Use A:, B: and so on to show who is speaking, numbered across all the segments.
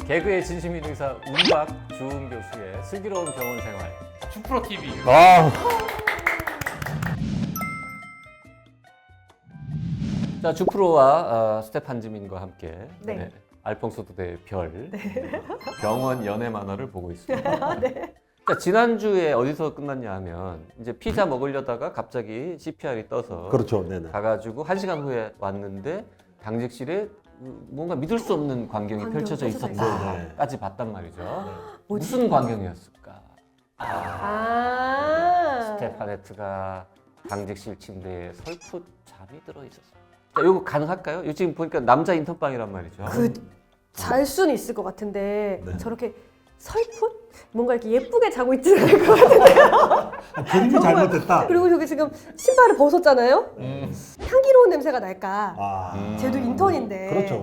A: 개그의 진심인 의사 운박 주은 교수의 슬기로운 병원 생활.
B: 주프로 TV.
A: 아. 자, 주프로와 스테판 지민과 함께
C: 네.
A: 알퐁소 도대의 별 병원 연애 만화를 보고 있습니다. 자, 지난주에 어디서 끝났냐 하면 이제 피자 먹으려다가 갑자기 CPR이 떠서
D: 그렇죠. 네네.
A: 가가지고 1시간 후에 왔는데 당직실에 뭔가 믿을 수 없는 광경이
C: 광경이
A: 펼쳐져
C: 펼쳐져
A: 있었다까지 봤단 말이죠.
C: 뭐지?
A: 무슨 광경이었을까?
C: 아.
A: 스테파네트가 당직실 침대에 설풋 잠이 들어 있었어요. 자, 이거 가능할까요? 이거 지금 보니까 남자 인턴방이란 말이죠.
C: 잘 수는 있을 것 같은데
D: 네.
C: 저렇게 설풋? 뭔가 이렇게 예쁘게 자고 있지는 않을 것 같은데요.
D: 그림이
C: 정말.
D: 잘못됐다.
C: 그리고 저기 지금 신발을 벗었잖아요. 향기로운 냄새가 날까?
D: 아,
C: 쟤도 인턴인데.
D: 그렇죠.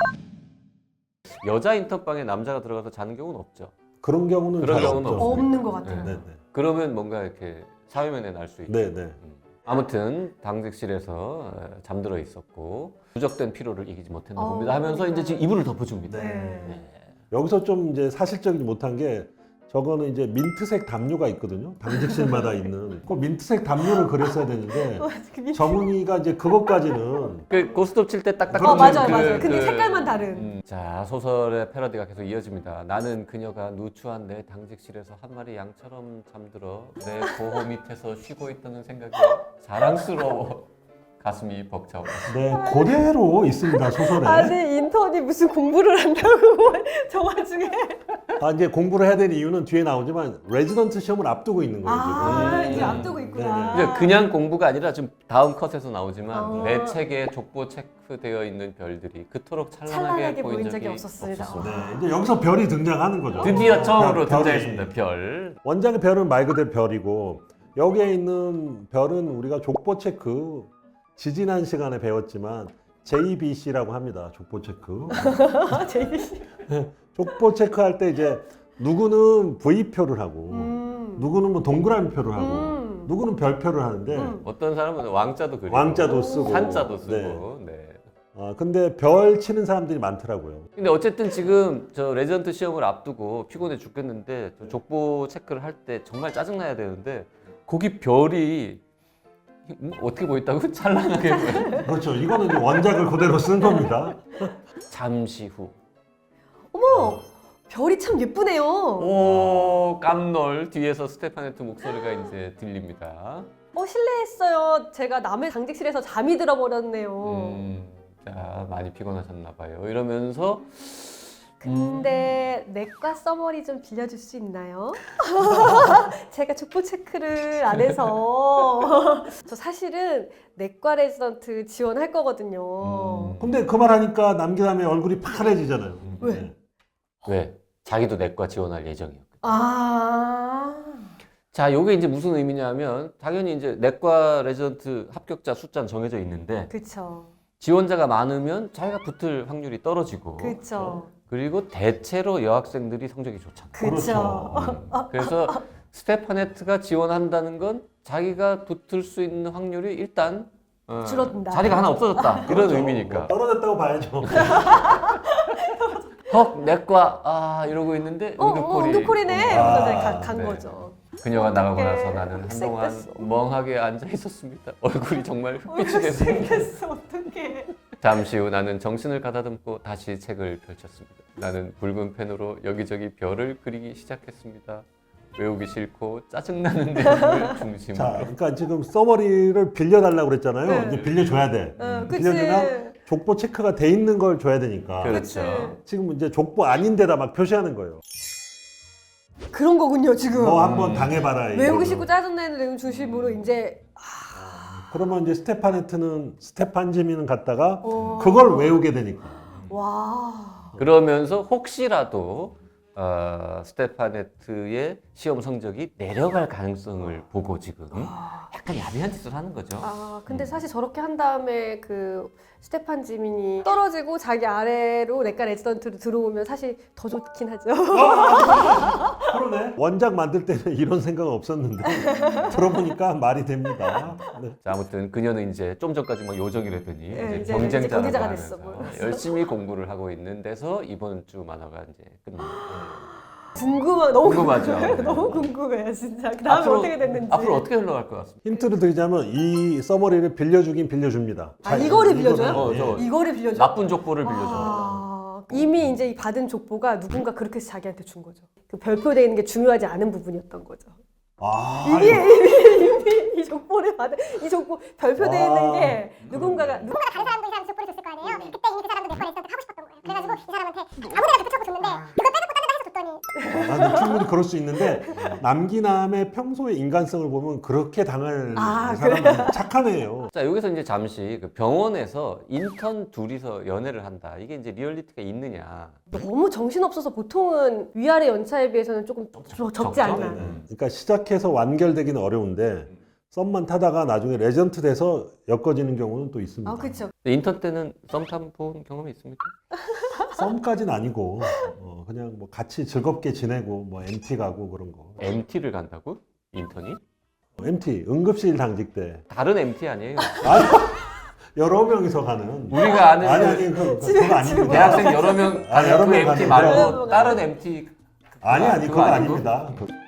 A: 여자 인턴방에 남자가 들어가서 자는 경우는 없죠.
D: 그런 경우는
A: 그런
D: 잘
A: 경우는
D: 없죠.
A: 없어요.
C: 없는 것 같아요.
D: 네네.
A: 그러면 뭔가 이렇게 사회면에 날 수 있죠.
D: 네네.
A: 아무튼 당직실에서 잠들어 있었고 누적된 피로를 이기지 못했나 봅니다 하면서
C: 그러니까.
A: 이제 지금 이불을 덮어줍니다.
C: 네.
D: 여기서 좀 이제 사실적이지 못한 게 저거는 이제 민트색 담요가 있거든요. 당직실마다 있는. 그 민트색 담요를 그렸어야 되는데 정은이가 이제 그것까지는
A: 그 고스톱 칠 때 딱딱
C: 맞아요,
A: 맞는
C: 맞아요. 근데 색깔만 다른.
A: 자, 소설의 패러디가 계속 이어집니다. 나는 그녀가 누추한 내 당직실에서 한 마리 양처럼 잠들어 내 보호 밑에서 쉬고 있다는 생각에 자랑스러워. 가슴이 벅차오.
D: 네, 그대로 있습니다, 소설에.
C: 아니 인턴이 무슨 공부를 한다고 저 와중에.
D: 아, 이제 공부를 해야 되는 이유는 뒤에 나오지만 레지던트 시험을 앞두고 있는 거예요,
C: 아
D: 지금.
C: 이제 앞두고 있구나.
A: 이제 그냥 공부가 아니라 지금 다음 컷에서 나오지만
C: 아.
A: 내 책에 족보 체크되어 있는 별들이 그토록 찬란하게
C: 찬란하게
A: 보인 적이
C: 없었습니다.
D: 네, 이제 여기서 별이 등장하는 거죠.
A: 드디어 처음으로
D: 별이.
A: 등장했습니다. 별.
D: 원작의 별은 말 그대로 별이고 여기에 있는 별은 우리가 족보 체크 지지난 시간에 배웠지만 JBC라고 합니다. 족보 체크.
C: JBC.
D: 족보 체크할 때 이제 누구는 V표를 하고
C: 음.
D: 누구는 뭐 동그라미 표를 하고 누구는 별표를 하는데
A: 어떤 사람은 왕자도 그리고
D: 왕자도 쓰고
A: 산자도 쓰고.
D: 네.
A: 네.
D: 근데 별 치는 사람들이 많더라고요.
A: 근데 어쨌든 지금 저 레지던트 시험을 앞두고 피곤해 죽겠는데 저 족보 체크를 할 때 정말 짜증나야 되는데 거기 별이 어떻게 보였다고? 찬란하게 보여요.
D: 그렇죠. 이거는 이제 원작을 그대로 쓴 겁니다.
A: 잠시 후.
C: 어머 별이 참 예쁘네요.
A: 오, 깜놀. 뒤에서 스테파네트 목소리가 이제 들립니다.
C: 실례했어요. 제가 남의 당직실에서 잠이 들어버렸네요.
A: 자, 많이 피곤하셨나 봐요. 이러면서
C: 근데 내과 써머리 좀 빌려줄 수 있나요? 제가 족보 체크를 안 해서 저 사실은 내과 레지던트 지원할 거거든요.
D: 근데 그 말 하니까 남기남의 얼굴이 파래지잖아요.
C: 왜?
D: 네.
A: 왜? 자기도 내과 지원할 예정이었거든.
C: 아
A: 자, 요게 이제 무슨 의미냐면 당연히 이제 내과 레지던트 합격자 숫자는 정해져 있는데
C: 그쵸
A: 지원자가 많으면 자기가 붙을 확률이 떨어지고
C: 그쵸
A: 그리고 대체로 여학생들이 성적이 좋잖아요.
C: 그쵸
A: 그래서 스테파네트가 지원한다는 건 자기가 붙을 수 있는 확률이 일단
C: 줄어든다.
A: 자리가 하나 없어졌다. 이런
D: 그렇죠.
A: 의미니까.
D: 뭐 떨어졌다고 봐야죠.
A: 헉, 내과 이러고 있는데 응급콜이
C: 응급콜이네.
D: 아,
C: 이러면서 간
A: 네.
C: 거죠.
A: 그녀가 나가고
C: 어떡해.
A: 나서 나는 한동안
C: 흑색됐어.
A: 멍하게 앉아 있었습니다. 얼굴이 정말 흑빛이 됐습니다.
C: 생겼어 어떡해.
A: 잠시 후 나는 정신을 가다듬고 다시 책을 펼쳤습니다. 나는 붉은 펜으로 여기저기 별을 그리기 시작했습니다. 외우기 싫고 짜증나는 내용을 중심으로.
D: 자, 그러니까 지금 서머리를 빌려달라고 그랬잖아요.
C: 네.
D: 이제 빌려줘야 돼.
C: 그치.
D: 빌려주면 족보 체크가 돼 있는 걸 줘야 되니까.
A: 그렇죠.
D: 지금 이제 족보 아닌데다 막 표시하는 거예요.
C: 그런 거군요 지금.
D: 너 한번 당해봐라.
C: 외우기
D: 이거를.
C: 싫고 짜증내는 내용 중심으로 이제
D: 그러면 이제 스테파네트는 스테판 지민은 갔다가
C: 어.
D: 그걸 외우게 되니까.
C: 와.
A: 그러면서 혹시라도 스테파네트의 시험 성적이 내려갈 가능성을 보고 지금 약간 야비한 짓을 하는 거죠.
C: 근데 사실 저렇게 한 다음에 그 스테판 지민이 떨어지고 자기 아래로 렉가 레지던트로 들어오면 사실 더 좋긴 하죠.
D: 그러네. 원작 만들 때는 이런 생각은 없었는데 들어보니까 말이 됩니다. 네.
A: 자, 아무튼 그녀는 이제 좀 전까지 막 요정이라더니
C: 네,
A: 이제
C: 이제 경제자가
A: 하면서
C: 됐어, 뭐.
A: 열심히 공부를 하고 있는 데서 이번 주 만화가 이제 끝납니다.
C: 너무
A: 궁금하죠. 네.
C: 너무 궁금해요, 진짜. 그 다음에 어떻게 됐는지.
A: 앞으로 어떻게 흘러갈 것 같습니다.
D: 힌트를 드리자면 이 서머리를 빌려주긴 빌려줍니다.
C: 아, 이거를 빌려줘요?
A: 저
C: 이거를 빌려줘?
A: 나쁜 족보를 빌려줘.
C: 아, 이미 이제 이 받은 족보가 누군가 그렇게 해서 자기한테 준 거죠. 그 별표되어 있는 게 중요하지 않은 부분이었던 거죠. 이미 이 족보를 받은 이 족보 별표되어 있는 게 누군가가
B: 다른 사람도 이 사람 족보를 줬을 거 아니에요. 그때 이미 그 사람도 내 거를 하고 싶었던 거예요. 그래가지고 이 사람한테 아무데나 붙여고 줬는데 그걸 빼놓고 딴 데다 해서 줬더니
D: 나는 충분히 그럴 수 있는데 남기남의 평소의 인간성을 보면 그렇게 당할 사람은 착한 애예요.
A: 자, 여기서 이제 잠시 그 병원에서 인턴 둘이서 연애를 한다. 이게 이제 리얼리티가 있느냐.
C: 너무 정신없어서 보통은 위아래 연차에 비해서는 조금 적지 않나.
D: 그러니까 시작해서 완결되기는 어려운데 썸만 타다가 나중에 레전트 돼서 엮어지는 경우는 또 있습니다.
C: 아, 그렇죠.
A: 인턴 때는 썸 타본 경험이 있습니까?
D: 썸까지는 아니고 그냥 뭐 같이 즐겁게 지내고 뭐 MT 가고 그런 거.
A: MT를 간다고? 인턴이?
D: MT 응급실 당직 때
A: 다른 MT 아니에요?
D: 여러 명이서 가는.
A: 우리가 아는
D: 아니 그거 아닙니다.
A: 대학생 여러 명
D: 아,
A: 아니,
D: 여러
A: 그
D: 명
A: MT
D: 가는
A: 말고
C: 거야.
A: 다른 MT
D: 아니
A: 그거
D: 그거
A: 아니고?
D: 아닙니다.